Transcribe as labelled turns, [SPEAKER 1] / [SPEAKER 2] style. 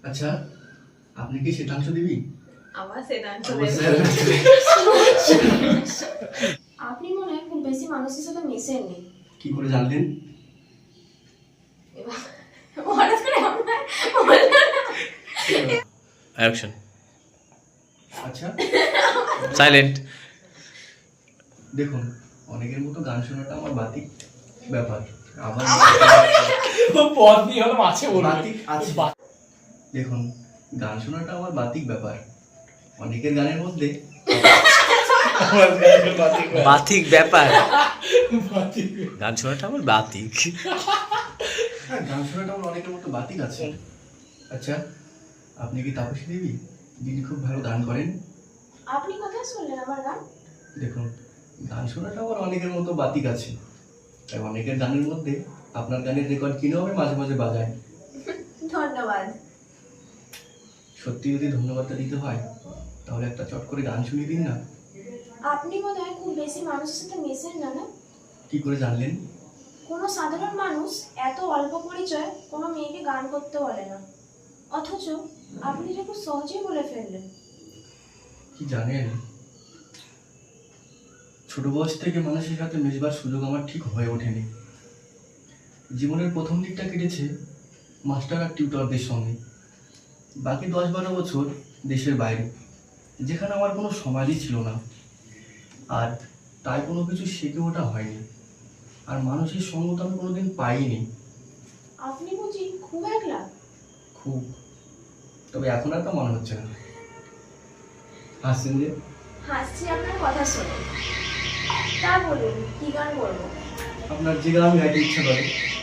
[SPEAKER 1] আচ্ছা, আপনি কি শ্বেতাংশ দেবী?
[SPEAKER 2] আমার শ্বেতাংশ
[SPEAKER 1] অবশ্যই।
[SPEAKER 3] আপনি মনে হয় খুব বেশি মানুষের সাথে মেশেননি।
[SPEAKER 1] কি করে জানলেন?
[SPEAKER 3] এবার হঠাৎ করে আপনার বললেন না।
[SPEAKER 4] অ্যাকশন
[SPEAKER 1] আচ্ছা,
[SPEAKER 4] সাইলেন্ট
[SPEAKER 1] দেখুন, অনেকের মতো গান শোনাটা আমার বাতিক ব্যাপার। আবার
[SPEAKER 5] পদ নিয়ে হলো মাছে বলবে
[SPEAKER 1] বাতিক আছে। দেখুন, গান শোনাটা আমার বাতিক ব্যাপার। অনেকের গানের মধ্যে
[SPEAKER 4] বাতিক ব্যাপার গান শোনাটা আমার বাতিক
[SPEAKER 1] হ্যাঁ, গান শোনাটা আমার অনেকের মতো বাতিক আছে। আচ্ছা, আপনি কি তাপসী দেবী, যিনি খুব ভালো গান করেন?
[SPEAKER 3] আপনি কোথায় শুনলেন আমার গান?
[SPEAKER 1] দেখুন, গান শোনাটা আমার অনেকের মতো বাতিক আছে। তাই অনেকের গানের মধ্যে আপনার গানের রেকর্ড কিনেও আমি মাঝে মাঝে বাজাই।
[SPEAKER 3] ধন্যবাদ।
[SPEAKER 1] সত্যি যদি ধন্যবাদটা দিতে হয়, তাহলে একটা চট করে গান শুনিয়ে দিন না।
[SPEAKER 3] আপনি মনে হয় খুব বেশি মানুষের সাথে মেশেন না, না?
[SPEAKER 1] কি করে জানলেন?
[SPEAKER 3] কোনো সাধারণ মানুষ এত অল্প পরিচয় কোনো মেয়েকে গান করতে বলে না, অথচ আপনি যে খুব সহজেই বলে ফেললেন।
[SPEAKER 1] কি জানেন, ছোট বয়স থেকে মানুষের সাথে মেশবার সুযোগ আমার ঠিক হয়ে ওঠেনি। জীবনের প্রথম দিকটা কেটেছে মাস্টার আর টিউটরদের সঙ্গে। বাকি 10-12 বছর দেশের বাইরে, যেখানে আমার কোনো সমাজই ছিল না, আর তাই কোনো কিছু শিখে ওঠা হয়নি। আর মানুষের সঙ্গ তো আমি কোনোদিন পাইনি।
[SPEAKER 3] আপনি বুঝি খুব একলা?
[SPEAKER 1] খুব। তবে এখন আর তা মনে হচ্ছে না। হাসছেন যে?
[SPEAKER 3] হাসছি আপনার কথা শুনে। তা বলুন, কি গান করবো?
[SPEAKER 1] আপনার যে গান গাইতে ইচ্ছা করে